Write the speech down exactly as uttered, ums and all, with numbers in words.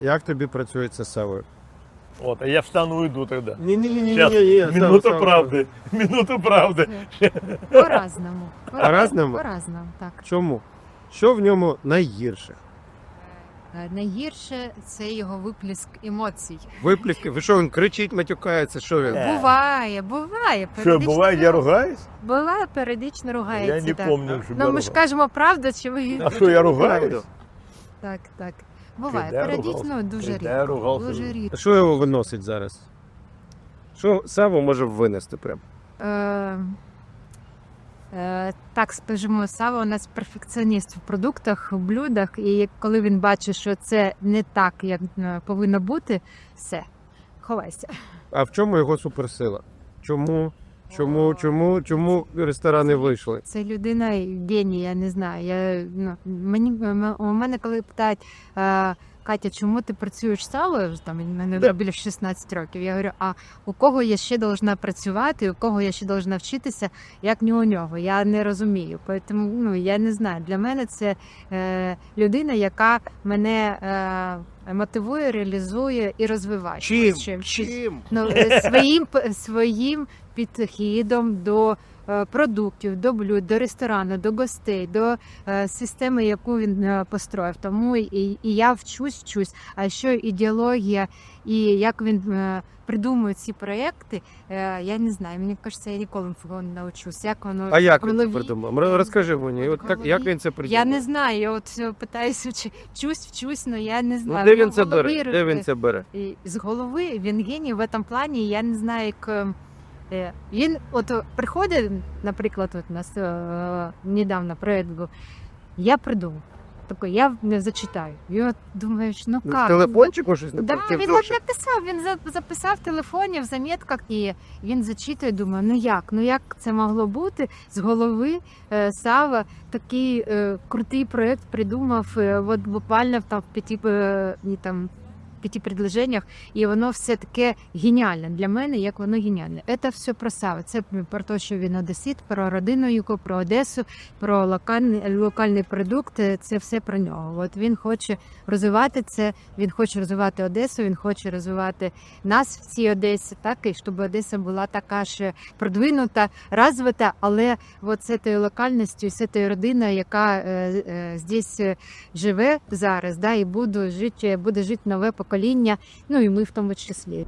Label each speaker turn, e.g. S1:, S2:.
S1: Як тобі працюється з Савою?
S2: Вот, а я встану и уйду тогда.
S1: Ні-ні-ні,
S2: Сейчас, минуту правды, минуту правды.
S3: По-разному.
S1: По-разному?
S3: По-разному, так.
S1: Чому? Що в ньому найгірше?
S3: Е, Найгірше це його виплеск емоцій.
S1: Випліски? Ви що, він кричить, матюкається, що він?
S2: Е.
S3: Буває, буває.
S2: Что,
S3: періодично
S2: бывает, я ругаюсь?
S3: Буває, періодично ругається.
S2: Я не
S3: так.
S2: помню, что
S3: Ну, ми ж кажемо правду, чи ви...
S2: А что, я ругаюсь?
S3: Так, так. Буває,
S2: Когда я
S3: періодично
S2: ругався?
S3: дуже
S2: Когда я
S3: рідко.
S2: ругався?
S3: Дуже рідко.
S1: Що його виносить зараз? Що Саву може винести прям?
S3: Е, е, так, скажімо, Сава у нас перфекціоніст в продуктах, в блюдах, і коли він бачить, що це не так, як е, повинно бути, все, ховайся.
S1: А в чому його суперсила? Чому? Чому, чому, чому ресторани вийшли?
S3: Це людина геній, я не знаю. Я, ну, мені, м- у мене коли питають, е, Катя, чому ти працюєш з Савою, там, мені
S1: Да.
S3: біля шістнадцять років, я говорю, а у кого я ще должна працювати, у кого я ще должна вчитися, як не у нього, я не розумію. Тому, ну, я не знаю, для мене це е, людина, яка мене е, мотивує, реалізує і розвиває.
S1: Чим?
S3: Ось чим.
S1: Чим?
S3: Ну, е, своїм, п- своїм підхідом до е, продуктів, до блюд, до ресторану, до гостей, до е, системи, яку він е, построїв. Тому і, і я вчусь, вчусь. А що ідеологія і як він е, придумує ці проекти, е, я не знаю. Мені кажеться, я ніколи цього не навчусь. Як воно
S1: А як
S3: в
S1: він
S3: голові-
S1: це придумав? Р- Розкажи мені, от як, як він це придумав?
S3: Я не знаю, я от е, питаюся, вчи- вчусь, вчусь, але я не
S1: Ну,
S3: знаю.
S1: де
S3: Ну,
S1: він це
S3: в голові
S1: бере? Де він це бере?
S3: і з голови він геній в цьому плані. Я не знаю, як е, е, він от е, приходить, наприклад, от у нас е, недавно проект був. Я придумав. Такий, я не зачитаю. І от думаєш, ну
S1: В
S3: як?
S1: телефончику щось
S3: Да,
S1: написав?
S3: він от написав, він за- записав в телефоні, в замітках, і він зачитує, думає, ну як, ну як це могло бути з голови е, Сава такий е, крутий проект придумав, е, от буквально в там, в п'яти, е, ні, там, п'яти предложеннях, і воно все таке геніальне для мене, як воно геніальне. Це все про Сава, це про те, що він одесит, про родину його, про Одесу, про локальний, локальний продукт, е, це все про нього. От він хоче розвивати це, він хоче розвивати Одесу, він хоче розвивати нас в цій Одесі, так, і щоб Одеса була така ж продвинута, розвита, але от з цією локальністю, з цією родиною, яка е, е, здесь е, живе зараз, да, і буде жити, буде жити нове покоління, ну і ми в тому числі.